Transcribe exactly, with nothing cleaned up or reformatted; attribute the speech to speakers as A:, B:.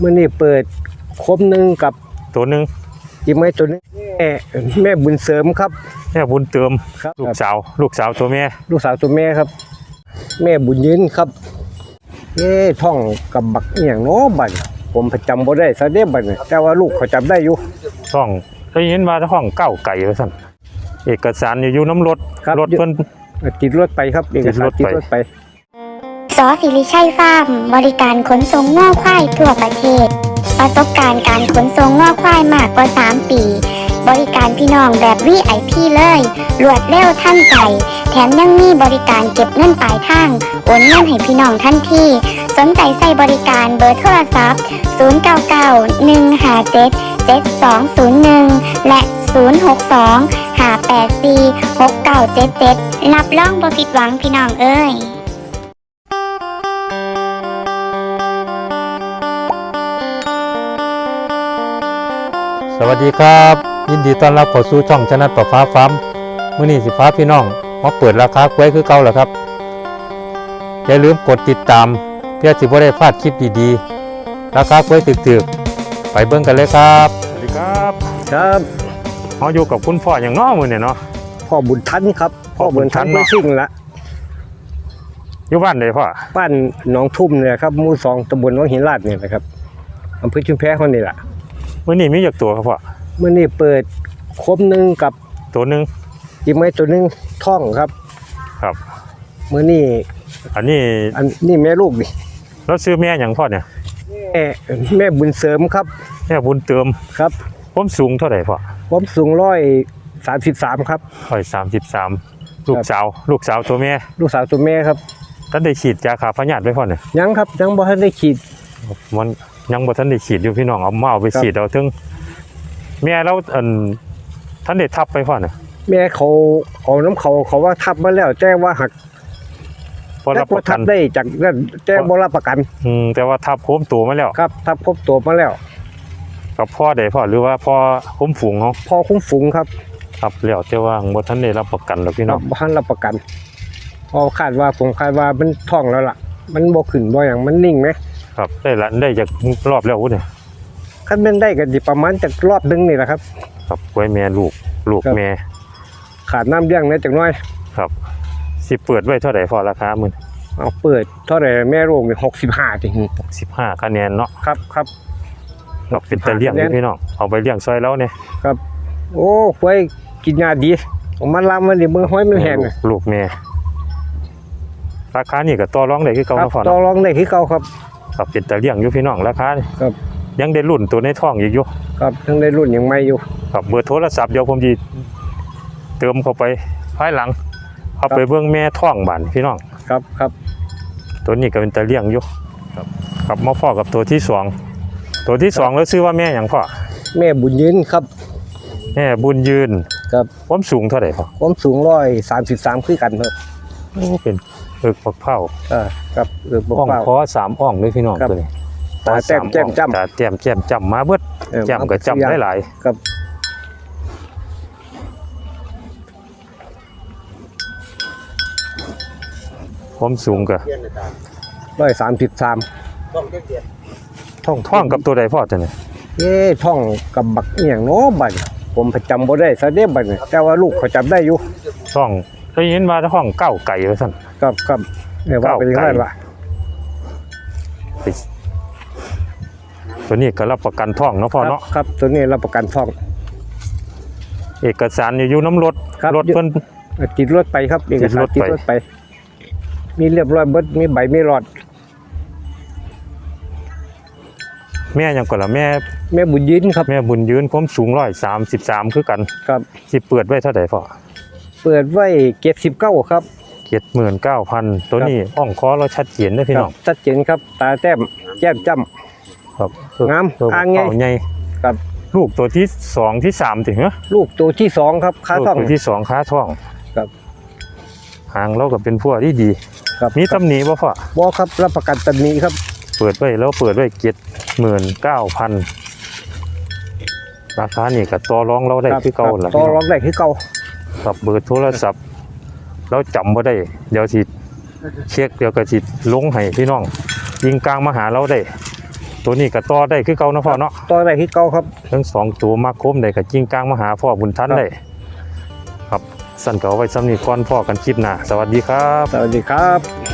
A: มื่อนี้เปิดคมหนึ่งกับ
B: ตัวหนึ่ง
A: จิ้มไม้ตัวนึงแม่แม่บุญเสริมครับ
B: แม่บุญเติมลูกสาวลูกสาวตัวแม่
A: ลูกสาวตัวแม่ครับแม่บุญยืนครับเอ๊ะท่องกับบักอย่างโน้บันผมประจำบ่ได้ซะเด้บันแต่ว่าลูกเขาจำได้อยู่
B: ท่องได้ยินว่าท่องเก้าไก่ว่าสั่นเอกสารอยู่น้ำรถรถเพิ่น
A: ติดรถไปครับเอกสารติดรถไป
C: สอศิริชัยฟาร์มบริการขนส่งง่อควายทั่วประเทศประสบการณ์การขนส่งง่อควายมากกว่าสามปีบริการพี่น้องแบบ วี ไอ พี เลยรวดเร็วทันใจแถมยังมีบริการเก็บเงินปลายทางโอนเงินให้พี่น้องทันทีสนใจใส่บริการเบอร์โทรศัพท์ศูนย์ เก้า เก้า หนึ่ง ห้า เจ็ด เจ็ด สอง ศูนย์ หนึ่งและศูนย์ หก สอง ห้า แปด สี่ หก เก้า เจ็ด เจ็ดรับรองบ่ผิดหวังพี่น้องเอ้ย
B: สวัสดีครับยินดีต้อนรับเข้าสู่ช่องชนะประฟ้าฟาร์มมื้อนี้สิฟ้าพี่น้องมาเปิดราคากล้วยคือเก่าแล้วครับอย่าลืมกดติดตามเพื่อสิบ่ได้พลาดคลิปดีๆราคากล้วยถึกๆไปเบิ่งกันเลยครับสวัสดีครับ
A: ครับ
B: เฮาอยู่กับคุณพ่ออย่างน้อมื้อนี้เนาะ
A: พ่อบุญทันครับพ่อบุญทันไม่ซิ่งละ
B: อยู่บ้านใดพ่อ
A: บ้านหนองทุ่มเนี่ยครับหมู่สองตำบลวังหินลาดเนี่ยนะครับอำเภอชุมแพคนนี่แหละ
B: มื้อนี้มีจักตัวครับพ่อ
A: มื่อนี้เปิดคมหนึ่งกับ
B: ตัวหนึ่ง
A: จิ้มไม้ตัวหนึ่งท่องครับ
B: ครับ
A: มื่อนี้
B: อันนี้
A: อันนี้แม่ลูกดิ
B: แล้วซื้อแม่อย่างพ่อเนี่ย
A: แม่แม่บุญเสริมครับ
B: แม่บุญเติม
A: ครับ
B: ผมสูงเท่าไหร่พ่อ
A: ผมสูงร้อยสามสิบสามครับ
B: ร้อยสามสิบสามลูกสาวลูกสาวตัวแม่
A: ลูกสาวตัวแม่ครับ
B: ท่านได้ฉีดยาฆ่าพยาธิไว้พ่อเนี่ย
A: ยังครับยังบ่ทันได้ฉีด
B: มันยังบ่ทันได้ฉีดอยู่พี่น้องเอามาเอาไปฉีดเอาถึงแม่เราอันท่านได้ทับไปพ่อเนี่ย
A: แม่เขาเอาน้ำเขาเขาว่าทับมาแล้วแจ้งว่าหัก
B: พอรับประกัน
A: ได้จากนั้นแจ้งบ่รับประกัน
B: อืมแต่ว่าทับโค้มตัวมาแล้ว
A: ครับทับครบตัวมาแล้ว
B: กับพ่อได้พ่อหรือว่าพ่อคุ้มฝูงเขา
A: พ่อคุ้มฝูงครับ
B: ครับแล้วแต่ว่าบ่ทันได้รับประกันหรอกพี่น้อง
A: บ่ทันรับประกันพอคาดว่าผมคาดว่ามันท้องแล้วล่ะมันบ่ขึ้นบ่อย่างมันนิ่งไหม
B: ครับได้ละได้จากรอบแล้วเนี่ย
A: ขั้นเป็นได้กันประมาณจากรอบนึงนี่แหละครับ
B: ครับไว้แม่ลูกลูกแม่
A: ขาดน้ำเลี้ยงนะจังน้อย
B: ครับสิเปิดไว้เท่าไหร่พอราคามึง
A: เอาเปิดเท่าไหร่แม่ลูกเนี่ยหกสิบห้าจริง
B: หกสิบห้าคะแนนเนาะ
A: ครับครับ
B: เราเป็นตะเลี้ยงพี่น้องเอาไปเลี้ยงซอยแล้วเนี่ย
A: ครับโอ้ไว้กินยาดีผมมันลำมันดิมือห้อยมันแห้ง
B: ลูกแม่ราคานี่ก็ต่อรองได้คือเก่าเนาะพ่อ
A: ต่อรองได้คือเก่าครับ
B: ครับเป็นตะเลี้ยงอยู่พี่น้องราคา
A: ครับ
B: ยังได้รุ่นตัวในท้องอยู่
A: ครับยังได้รุ่นยังไม่อยู่
B: ครับเบอร์โทรศัพท์เดี๋ยวผมจะเติมเข้าไปภายหลังเอาไปเบื้องแม่ท้องบ้านพี่น้อง
A: ครับครับ
B: ตัวนี้ก็เป็นตะเลี้ยงอยู่ครับครับมาพ่อกับตัวที่สองตัวที่สองแล้วชื่อว่าแม่อย่างพ่อ
A: แม่บุญยืนครับ
B: แม่บุญยืน
A: ครับ
B: ความสูงเท่าไหร่พ่อ
A: ความสูงร้อยสามสิบสามคือกันครับ
B: โอ้เป็นเอิกปักเผา
A: อ่าครับเอิกปัก
B: เผาอ่องคอสามอ่องเลยพี่น้องตัวนี้
A: ตาแจ่มแจ่มจ้ำ
B: ตาแจ่มแจ่มจ้ำมาเบิดแจ่มกับจ้ำได้หลาย
A: ครับ
B: ความสูงกับ
A: ร้อยสามสิบสาม
B: ท่องท่องกับตัวใดพ่อจะเนี่ย
A: เอ๊ะท่องกับบักอย่างโน้บันผมประจำบ่ได้ซะเด้บันแต่ว่าลูกเขาจำได้อยู่
B: ท่องได้ยินว่าท่องเก้าไก่ว่าสั่น
A: ครับครับเนี่ยว่าเป็นยังไงล่ะ
B: ตัวนี้ก็รับประกันท่องเนาะพ่อเนาะ
A: ครับตัวนี้รับประกันท่อง
B: เอกสารอยู่น้ำรถรถเพิ่น
A: ติดรถไปครับเอกสารติดรถไปมีเรียบร้อยเบิดมีใบมีหลอด
B: แม่ยังก่อนละแม่
A: แม่บุญยืนครับ
B: แม่บุญยืนผมสูงร้อยสามสิบสามคือกัน
A: ครับ
B: สิเปิดไว้เท่าไหร่พ่อ
A: เปิดไว้เจ็ดสิบเก้าครับ
B: เจ็ดหมื่นเก้าพันตัวนี้อ่องคอเราชัดเจนนะพี่น้อง
A: ชัดเจนครับตาแต้มแจ่มจ้ำ
B: ครับ
A: งาม
B: อ่างใหญ่
A: ครับ
B: ลูกตัวที่สองที่สามถึงเหรอ
A: ลูกตัวที่สองครับขาท่อง
B: ตัวที่สองขาท่อง
A: ครับ
B: หางเราก็เป็นพวกที่ดีมีตำหนิบ่พ่อ
A: บ่ครับรับประกันตำหนิครับ
B: เปิดไว้แล้วเปิดไว้เจ็ดหมื่นเก้าพันราคานี่กับต่อรองเราได้ที่เก่าแหละ
A: ต่อรองได้ที่เก่า
B: กับเบอร์โทรศัพท์เราจำว่าได้เดี๋ยวสิเช็คเดี๋ยวก็สิลงให้พี่น้องยิงกลางมาหาเราได้ตัวนี้ก็ต่อได้คือเก่าเนาะพ่อเนาะ
A: ต่อได้ที่เก่าครับ
B: ทั้งสองตัวมาคมได้ก็จริงกลางมาหาพ่อบุญทัน
A: ครับ
B: ได้ครับสั่นก็เอาไว้ซ้ำนี้ก่อนพ่อกันคลิปหน้าสวัสดีครับ
A: สวัสดีครับ